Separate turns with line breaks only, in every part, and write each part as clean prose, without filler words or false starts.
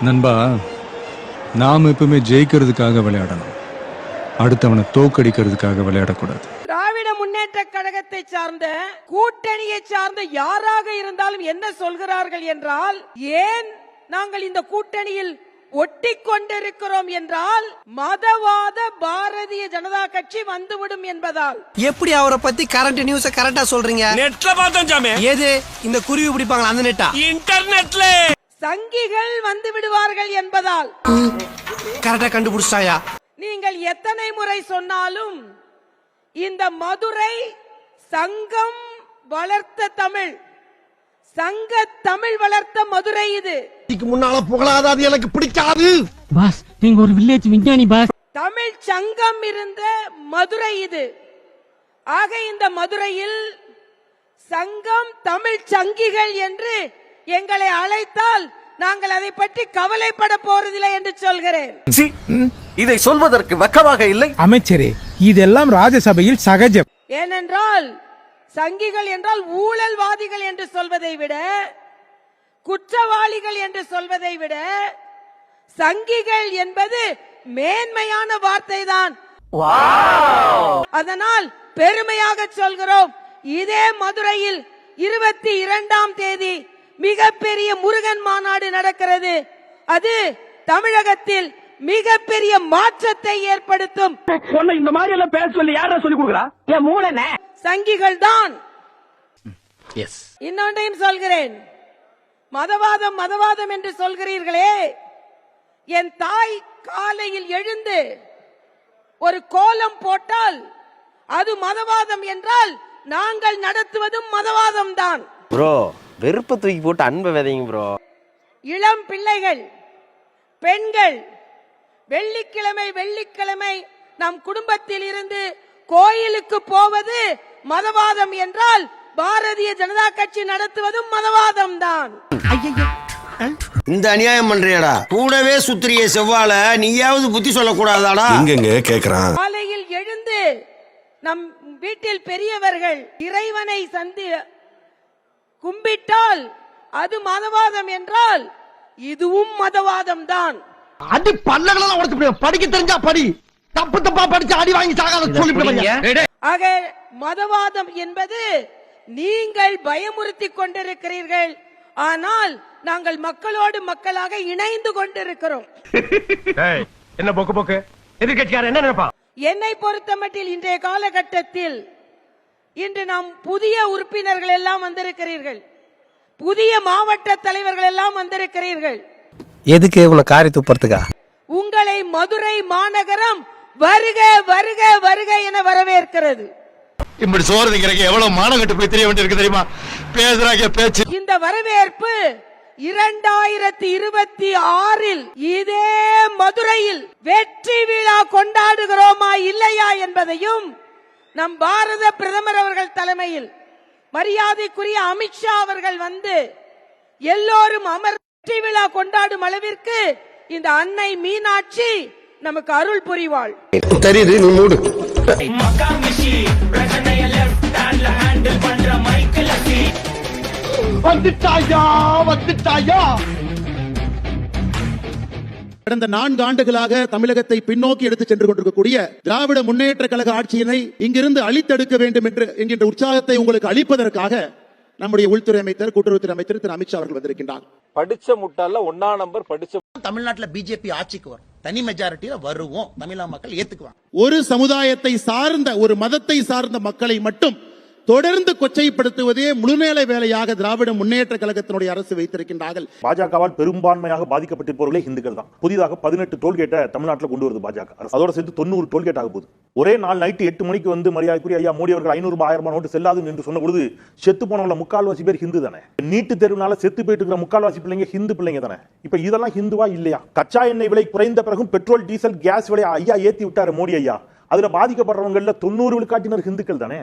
நண்பா, நாம் எப்பவுமே ஜெயிக்கிறதுக்காக விளையாடணும், அடுத்தவனை தோக்கடிக்கிறதுக்காக விளையாடக்கூடாது.
திராவிட முன்னேற்ற கழகத்தை சார்ந்த கூட்டணியை சார்ந்த யாராக இருந்தாலும் என்ன சொல்கிறார்கள் என்றால், ஏன் நாங்கள் இந்த கூட்டணியில் ஒட்டி கொண்டிருக்கிறோம் என்றால் மதவாத பாரதிய ஜனதா கட்சி வந்துவிடும் என்பதால்.
எப்படி அவரை பத்தி கரண்ட் நியூஸ் கரெக்டா சொல்றீங்க?
நெட்ல பார்த்தோம் சாமி.
ஏது இந்த குருவி பிடிப்பாங்களா அந்த நெட்டா?
இன்டர்நெட்ல.
சங்கிகள் வந்து விடுவார்கள் என்பதால்.
கரெக்டா கண்டுபிடிச்சாயா?
நீங்கள் எத்தனை முறை சொன்னாலும் இந்த மதுரை சங்கம் வளர்த்த தமிழ், சங்க தமிழ் வளர்த்த மதுரை இது.
முன்னால புகழாத, அது எனக்கு பிடிக்காது.
பாஸ், நீங்க ஒரு வில்லேஜ் விஞ்ஞானி பாஸ்.
தமிழ் சங்கம் இருந்த மதுரை இது. ஆக இந்த மதுரையில் சங்கம் தமிழ் சங்கிகள் என்று எங்களை அழைத்தால் நாங்கள் அதை பற்றி கவலைப்பட போறதில்லை என்று சொல்கிறேன்.
இதை சொல்வதற்கு வெக்கமாக இல்லை
அமைச்சரே, இதெல்லாம் ராஜ்யசபையில் சகஜம்.
ஏனென்றால் சங்கிகள் என்றால் ஊழல்வாதிகள் என்று சொல்வதை விட, குற்றவாளிகள் என்று சொல்வதை விட, சங்கிகள் என்பது மேன்மையான வார்த்தை தான். அதனால் பெருமையாக சொல்கிறோம். இதே மதுரையில் 22ஆம் தேதி மிகப்பெரிய முருகன் மாநாடு நடக்கிறது. அது தமிழகத்தில் மிகப்பெரிய மாற்றத்தை ஏற்படுத்தும்.
இந்த மாதிரி எல்லாம் பேச சொல்லி யாரா சொல்லி கொடுக்குறா? என் மூளை
சங்கிகள் தான். இன்னொன்றையும் சொல்கிறேன். மதவாதம் மதவாதம் என்று சொல்கிறீர்களே, என் தாய் காலையில் எழுந்து ஒரு கோலம் போட்டால் அது மதவாதம் என்றால் நாங்கள் நடத்துவதும் மதவாதம் தான்.
ப்ரோ, வெறுப்ப தூக்கி போட்டு அன்பை விதைங்க ப்ரோ.
இளம் பிள்ளைகள், பெண்கள் வெள்ளிக்கிழமை நம் குடும்பத்தில் இருந்து கோயிலுக்கு போவது மதவாதம் என்றால் பாரதிய ஜனதா கட்சி நடத்துவதும் மதவாதம் தான்.
இந்த அநியாயம் பண்றியடா, கூடவே சுத்திரிய செவ்வால நீயாவது புத்தி சொல்லக்கூடாதாடா?
எங்கெங்க கேக்குறான்.
காலையில் எழுந்து நம் வீட்டில் பெரியவர்கள் இறைவனை கும்பிட்டால் அது மதவாதம் என்றால் இதுவும் மதவாதம் தான்.
அடி பல்லகளெல்லாம் உடைச்சு படிக்க தெரிஞ்சா படி, தப்பு தப்பா படிச்சு அடி வாங்கி சாகாத சொல்லிவிடுங்க.
ஆக மதவாதம் என்பது நீங்கள் பயமுறுத்தி கொண்டிருக்கிறீர்கள். ஆனால் நாங்கள் மக்களோடு மக்களாக இணைந்து கொண்டிருக்கிறோம்.
என்ன போக்கு எதிர்கட்சியார் என்ன நினைப்பா?
என்னை பொறுத்தமட்டில் இன்றைய காலகட்டத்தில் இன்று நாம் புதிய உறுப்பினர்கள் எல்லாம் வந்திருக்கிறீர்கள், புதிய மாவட்ட தலைவர்கள் எல்லாம் வந்திருக்கிறீர்கள்.
எதுக்கு இவ்வளவு காரி துப்புறதுக்கா?
உங்களை மதுரை மாநகரம் வருக வருக வருக என வரவேற்கிறது.
இப்படி சோறுங்கிறக்கு எவ்வளவு மானகட்டு போய் தெரிய வேண்டியிருக்கு தெரியுமா? பேசுறாங்க பேச்சு.
இந்த வரவேற்பு 2026 இதே மதுரையில் வெற்றி விழா கொண்டாடுகிறோமா இல்லையா என்பதையும் நம் பாரத பிரதமர் அவர்கள் தலைமையில் மரியாதைக்குரிய அமித்ஷா அவர்கள் வந்து எல்லோரும் வெற்றி விழா கொண்டாடும் அளவிற்கு இந்த அன்னை மீனாட்சி நமக்கு அருள் புரிவாள்.
தெரியுது, நீ மூடு. வந்துட்டாயா வந்துட்டாயா.
கடந்த 4 ஆண்டுகளாக தமிழகத்தை பின்னோக்கி எடுத்துச் சென்று கொண்டிருக்கக்கூடிய திராவிட முன்னேற்ற கழக ஆட்சியினை இங்கிருந்து அழித்தெடுக்க வேண்டும் என்கின்ற உற்சாகத்தை உங்களுக்கு அளிப்பதற்காக நம்முடைய உள்துறை அமைச்சர், கூட்டுறவுத்துறை அமைச்சர் திரு அமித்ஷா அவர்கள் வந்திருக்கின்றார்.
படிச்ச முட்டால 1ஆம் நம்பர் படிச்ச
தமிழ்நாட்டில் பிஜேபி ஆட்சிக்கு வரும், தனி மெஜாரிட்டியில வருவோம், தமிழக மக்கள் ஏத்துக்குவாங்க.
ஒரு சமுதாயத்தை சார்ந்த, ஒரு மதத்தை சார்ந்த மக்களை மட்டும் தொடர்ந்து கொச்சைப்படுத்துவதே முழுநேர வேலையாக திராவிட முன்னேற்ற கழகத்தினுடைய அரசு வைத்திருக்கின்றார்கள்.
பாஜகவால் பெரும்பான்மையாக பாதிக்கப்பட்டிருப்பவர்களே இந்துக்கள் தான். புதிதாக 18 டோல்கேட்டை தமிழ்நாட்டில் கொண்டு வருது பாஜக அரசு. அதோட சேர்த்து 90 டோல்கேட் ஆக போகுது. ஒரே நாள் நைட்டு 8 மணிக்கு வந்து மரியாதைக்குரிய ஐயா மோடி அவர்கள் 500 ரூபாய் 1000 நோட்டு செல்லாது என்று சொன்ன பொழுது செத்து போனவங்கள முக்கால்வாசி பேர் ஹிந்து தானே. நீட்டு தேர்வுனால செத்து போயிட்டு இருக்கிற முக்கால்வாசி பிள்ளைங்க ஹிந்து பிள்ளைங்க தானே. இப்ப இதெல்லாம் ஹிந்துவா இல்லையா? கச்சா எண்ணெய் விலை குறைந்த பிறகும் பெட்ரோல் டீசல் கேஸ் விலை ஐயா ஏத்தி விட்டாரு மோடி ஐயா. அதுல பாதிக்கப்படுறவங்கள 90 விழுக்காட்டினர் ஹிந்துக்கள் தானே.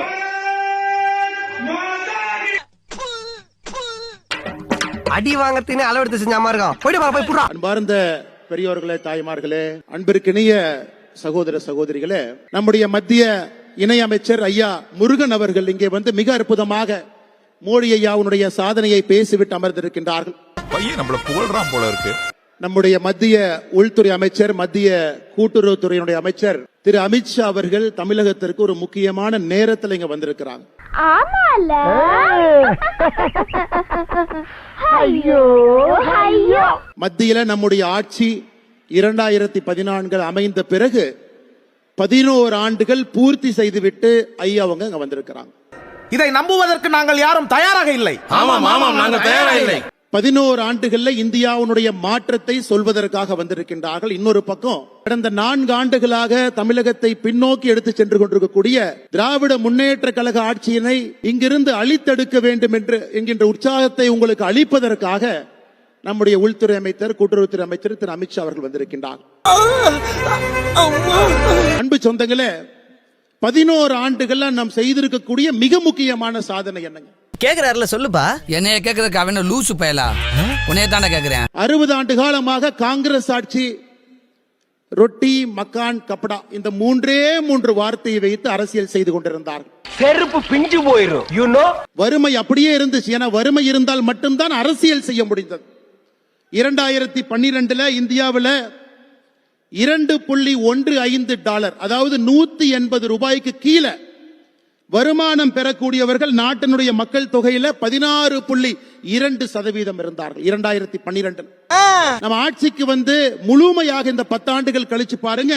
அடி வாங்கறதுன்னு அளவெடுத்து செஞ்ச மாதிரி இருக்கான். போய் புறா.
அன்பார்ந்த பெரியோர்களே, தாய்மார்களே, அன்பிற்கினிய சகோதர சகோதரிகளே, நம்முடைய மத்திய இணை அமைச்சர் ஐயா முருகன் அவர்கள் இங்கே வந்து மிக அற்புதமாக மோடி ஐயாவுடைய சாதனையை பேசிவிட்டு அமர்ந்திருக்கின்றார்கள்.
பையன் நம்மள புகழ்றான் போல இருக்கு.
நம்முடைய மத்திய உள்துறை அமைச்சர், மத்திய கூட்டுறவுத்துறையினுடைய அமைச்சர் திரு அமித்ஷா அவர்கள் தமிழகத்திற்கு ஒரு முக்கியமான நேரத்தில் இங்க வந்திருக்கிறாங்க. மத்தியில நம்முடைய ஆட்சி 2014 அமைந்த பிறகு 11 ஆண்டுகள் பூர்த்தி செய்துவிட்டு ஐயா அவங்க அங்க வந்திருக்கிறாங்க.
இதை நம்புவதற்கு நாங்கள் யாரும் தயாராக இல்லை.
11 ஆண்டுகள்ல இந்தியாவுடைய மாற்றத்தை சொல்வதற்காக வந்திருக்கின்றார்கள். இன்னொரு பக்கம் கடந்த 4 ஆண்டுகளாக தமிழகத்தை பின்னோக்கி எடுத்து சென்று கொண்டிருக்கக்கூடிய திராவிட முன்னேற்ற கழக ஆட்சியினை இங்கிருந்து அழித்தெடுக்க வேண்டும் என்கின்ற உற்சாகத்தை உங்களுக்கு அளிப்பதற்காக நம்முடைய உள்துறை அமைச்சர், கூட்டுறவுத்துறை அமைச்சர் திரு அமித்ஷா அவர்கள் வந்திருக்கின்றார். அன்பு சொந்தங்களே, 11 ஆண்டுகள்ல நாம் செய்திருக்கக்கூடிய மிக முக்கியமான சாதனை என்னங்க?
கேக்குறாருல சொல்லுப்பா.
என்னைய கேக்குறதுக்கு அவன் லூசு பயலா, உன்னைய தானே கேக்குறேன்.
60 ஆண்டு காலமாக காங்கிரஸ் ஆட்சி ரொட்டி, மக்கான், கப்படா இந்த 3 வார்த்தையை வைத்து அரசியல் செய்து கொண்டிருந்தார்.
செருப்பு பிஞ்சு போயிரும். யூ நோ,
வறுமை அப்படியே இருந்துச்சு. ஏன்னா வறுமை இருந்தால் மட்டும்தான் அரசியல் செய்ய முடிந்தது. 2012 இந்தியாவில் $2.15 அதாவது 180 ரூபாய்க்கு கீழே வருமானம் பெறக்கூடியவர்கள் நாட்டினுடைய மக்கள் தொகையில 16.2% இருந்தார்கள் 2012. நம்ம ஆட்சிக்கு வந்து முழுமையாக இந்த 10 ஆண்டுகள் கழிச்சு பாருங்க,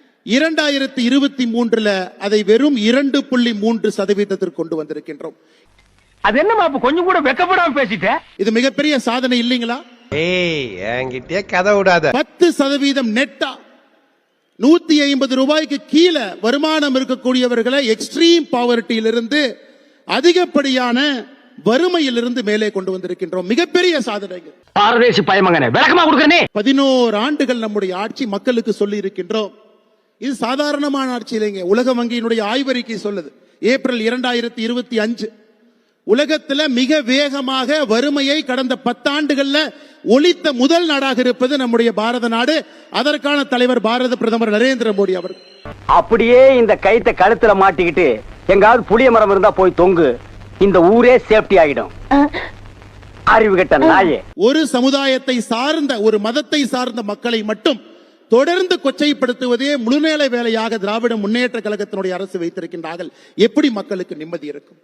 2023 அதை வெறும் 2.3% கொண்டு வந்திருக்கின்றோம்.
அது என்னமா அப்ப கொஞ்சம் கூட வெக்கப்படாம பேசிட்ட?
இது மிகப்பெரிய சாதனை இல்லைங்களா?
என்கிட்டயே கதை விடாத.
10% நெட்டா 150 ரூபாய்க்கு கீழே வருமானம் இருக்கக்கூடியவர்களை எக்ஸ்ட்ரீம் பாவர்ட்டியிலிருந்து அதிகப்படியான வறுமையிலிருந்து மேலே கொண்டு வந்திருக்கின்றோம். மிகப்பெரிய சாதனை.
பாரதேசி பயமங்கனே, விளக்கமா கொடுக்கறனே.
11 ஆண்டுகள் நம்முடைய ஆட்சி மக்களுக்கு சொல்லி இருக்கின்றோம். இது சாதாரணமான ஆட்சி இல்லைங்க. உலக வங்கியினுடைய ஆய்வறிக்கை சொல்லுது, ஏப்ரல் 2025 உலகத்துல மிக வேகமாக வறுமையை கடந்த 10 ஆண்டுகள்ல ஒழித்த முதல் நாடாக இருப்பது நம்முடைய பாரத நாடு. அதற்கான தலைவர் பாரத பிரதமர் நரேந்திர மோடி அவர்கள்.
அப்படியே இந்த கைத்தை கழுத்துல மாட்டிக்கிட்டு எங்காவது புளிய மரம் இருந்தா போய் தொங்கு, இந்த ஊரே சேஃப்டி ஆகிடும். அறிவு கெட்ட நாயே.
ஒரு சமுதாயத்தை சார்ந்த, ஒரு மதத்தை சார்ந்த மக்களை மட்டும் தொடர்ந்து கொச்சைப்படுத்துவதே முழுநேர வேலையாக திராவிட முன்னேற்ற கழகத்தினுடைய அரசு வைத்திருக்கின்றார்கள். எப்படி மக்களுக்கு நிம்மதி இருக்கும்?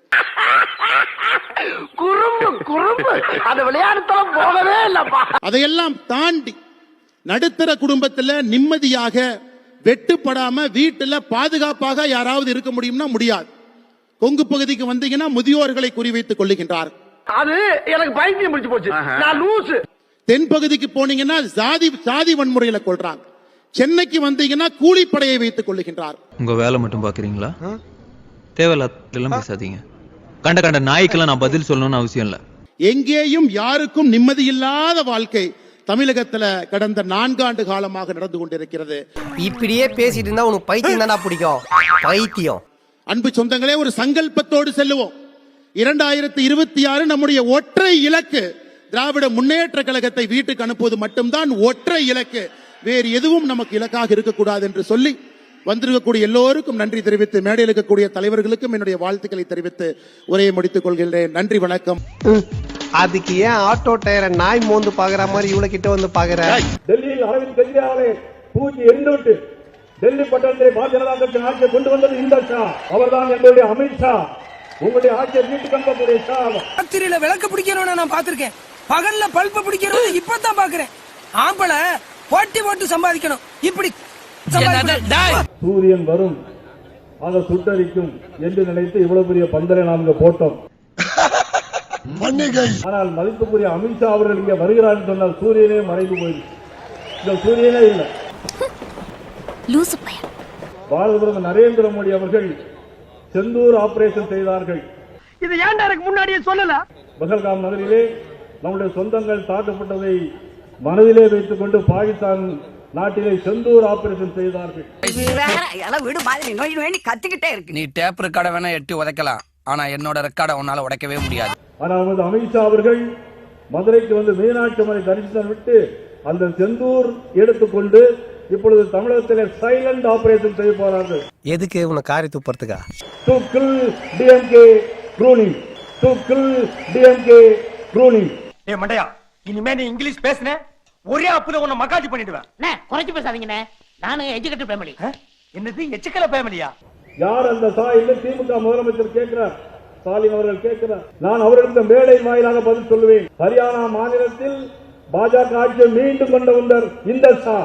அதையெல்லாம் தாண்டி நடுத்தர குடும்பத்தில் நிம்மதியாக வெட்டுப்படாம வீட்டுல பாதுகாப்பாக யாராவது இருக்க முடியும்னா முடியாது. கொங்கு பகுதிக்கு வந்தீங்கன்னா முதியோர்களை குறிவைத்துக் கொள்ளுகின்றார்.
அது எனக்கு பைத்தியம் பிடிச்சு போச்சு. நான் லூசு.
தென் பகுதிக்கு போனீங்கன்னா சாதி வன்முறையில கொள்றாங்க. சென்னைக்கு வந்தீங்கன்னா கூலிப்படையை வைத்துக் கொள்ளுகின்றார்.
உங்க வேலை மட்டும் பாக்குறீங்களா? தேவையில்லாம் பேசாதீங்க. கண்ட நாய்க்கெல்லாம் நான் பதில் சொல்லணும்னு அவசியம் இல்ல.
எங்கேயும் யாருக்கும் நிம்மதி இல்லாத வாழ்க்கை தமிழகத்துல கடந்த 4 ஆண்டு காலமாக நடந்து கொண்டிருக்கிறது.
இப்படியே பேசிட்டு இருந்தா உனக்கு பைத்தியம் தானா பிடிக்கும்? பைத்தியம்.
அன்பு சொந்தங்களே, ஒரு சங்கல்பத்தோடு செல்லுவோம். 2026 நம்முடைய ஒற்றை இலக்கு திராவிட முன்னேற்ற கழகத்தை வீட்டுக்கு அனுப்புவது மட்டும்தான் ஒற்றை இலக்கு. வேறு எதுவும் நமக்கு இலக்காக இருக்கக்கூடாது என்று சொல்லி வந்திருக்கக்கூடிய எல்லோருக்கும் நன்றி தெரிவித்து, மேடையில் இருக்கக்கூடிய தலைவர்களுக்கும் என்னுடைய வாழ்த்துக்களை தெரிவித்து உரையை முடித்துக் கொள்கிறேன். நன்றி, வணக்கம்.
அதுக்கு ஏன் ஆட்டோ டயரை நாய் மோந்து பாக்குற மாதிரி இவ்வளவு கிட்ட வந்து பாக்குற?
டெல்லியில் அரவிந்த் கெஜ்ரிவாலை தூக்கி எறிந்துவிட்டு டெல்லி பட்டணத்தை பாரதிய ஜனதா கட்சி ஆட்சியை கொண்டு வந்தது இந்த ஷா. அவர்தான் எங்களுடைய அமித்ஷா. உங்களுடைய ஆட்சியை வீட்டுக்கு அனுப்பக்கூடிய ஷா.
ராத்திரியில விளக்கு பிடிக்கணும்னு நான் பாத்திருக்கேன், பகல்ல பல்ப பிடிக்கணும் இப்பதான் பாக்குறேன். ஆம்பளை போட்டி போட்டு சம்பாதிக்கணும். இப்படி
சூரியன் வரும், அதை சுட்டரிக்கும் என்று நினைத்து இவ்வளவு பெரிய பந்தலை நாம் இங்க போட்டோம். ஆனால் மதிப்புக்குரிய அமித்ஷா அவர்கள் இங்க வருகிறார் என்று சொன்னால் சூரியனே மறைந்து போயிருக்கு. இந்த சூரியனே இல்லை. பாரத பிரதமர் நரேந்திர மோடி அவர்கள் செந்தூர் ஆபரேஷன் செய்தார்கள்.
இது ஏன்டா எனக்கு முன்னாடியே சொல்லல?
பகல்காம் நகரிலே நம்முடைய சொந்தங்கள் தாக்கப்பட்டதை மனதிலே வைத்துக் கொண்டு பாகிஸ்தான் நாட்டிலே செந்தூர் ஆபரேஷன் செய்தார்கள்.
கத்திக்கிட்டே இருக்கு. நீ டேப் ரெக்கார்ட வேணா எட்டி உதைக்கலாம், ஆனா என்னோட ரெக்கார்ட உன்னால உடைக்கவே முடியாது.
ஆனால் அமித்ஷா அவர்கள் மதுரைக்கு வந்து மீனாட்சி அம்மனை தரிசனம் விட்டு அந்த செந்தூர் எடுத்துக்கொண்டு இப்பொழுது தமிழகத்திலே சைலண்ட் ஆபரேஷன் செய்ய போறார்கள்.
எதுக்கு உன காரி துப்புறதுக்கா?
To kill DMK pruning. To kill DMK pruning.
ஏ மண்டையா, இனிமே நீ இங்கிலீஷ் பேசுன ஒரே அப்புல உன்னை மக்காஜி பண்ணிடுவேன்.
குறைச்சு பேசாதீங்கண்ணே, நானும் எஜுகேட்டட் ஃபேமிலி.
என்னது எச்சக்கல ஃபேமிலியா?
யார் அந்த சா என்று திமுக முதலமைச்சர் கேட்கிறார், ஸ்டாலின் அவர்கள் கேட்கிறார். நான் அவர்களுக்கு மேடை வாயிலாக பதில் சொல்லுவேன். ஹரியானா மாநிலத்தில் பாஜக ஆட்சியை மீண்டும் கொண்டு வந்தார் இந்த சா.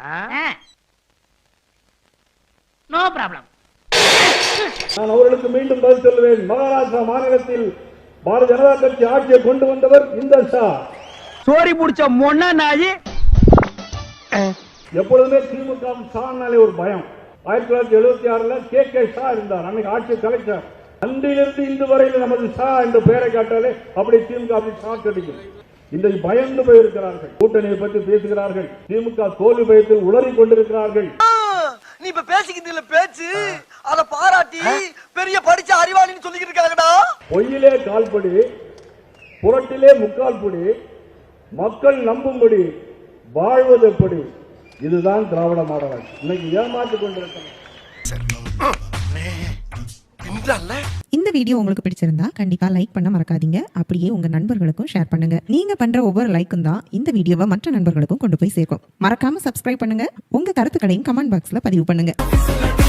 No problem.
நான் அவர்களுக்கு மீண்டும் பதில் சொல்லுவேன். மகாராஷ்டிரா மாநிலத்தில் பாரதிய ஜனதா கட்சி ஆட்சியை கொண்டு வந்தவர் இந்த சா.
சோரி முடிச்ச மொன்னா நாயி.
எப்பொழுதுமே திமுக சானாலே ஒரு பயம். 1976 கே ஷா இருந்தார், அன்னைக்கு ஆட்சி கலைச்சார். அன்றிலிருந்து இன்று வரையில் நமது ஷா என்ற பெயரை காட்டாலே அப்படி திமுக அப்படி ஷாக் அடிக்கும். இன்றைக்கு பயந்து போயிருக்கிறார்கள், கூட்டணியை பற்றி பேசுகிறார்கள், திமுக தோல்வி பயத்தில் உளறிக் கொண்டிருக்கிறார்கள்.
நீ இப்ப பேசிக்கிட்டு பேச்சு அத பாராட்டி பெரிய படிச்ச அறிவாளின்னு சொல்லிக்கிட்டு இருக்காங்கடா.
பொய்யிலே கால்படி, புரட்டிலே முக்கால் படி, மக்கள் நம்பும்படி வாழ்வது எப்படி? இதுதான் திராவிட மாடல் ஆட்சி. இன்னைக்கு ஏமாற்றிக் கொண்டிருக்கிறார்.
இந்த வீடியோ உங்களுக்கு பிடிச்சிருந்தா கண்டிப்பா லைக் பண்ண மறக்காதீங்க. அப்படியே உங்க நண்பர்களுக்கும் ஷேர் பண்ணுங்க. நீங்க பண்ற ஒவ்வொரு லைக்கும் தான் இந்த வீடியோவை மற்ற நண்பர்களுக்கும் கொண்டு போய் சேர்க்கும். மறக்காம சப்ஸ்கிரைப் பண்ணுங்க. உங்க கருத்துக்களையும் கமெண்ட் பாக்ஸ்ல பதிவு பண்ணுங்க.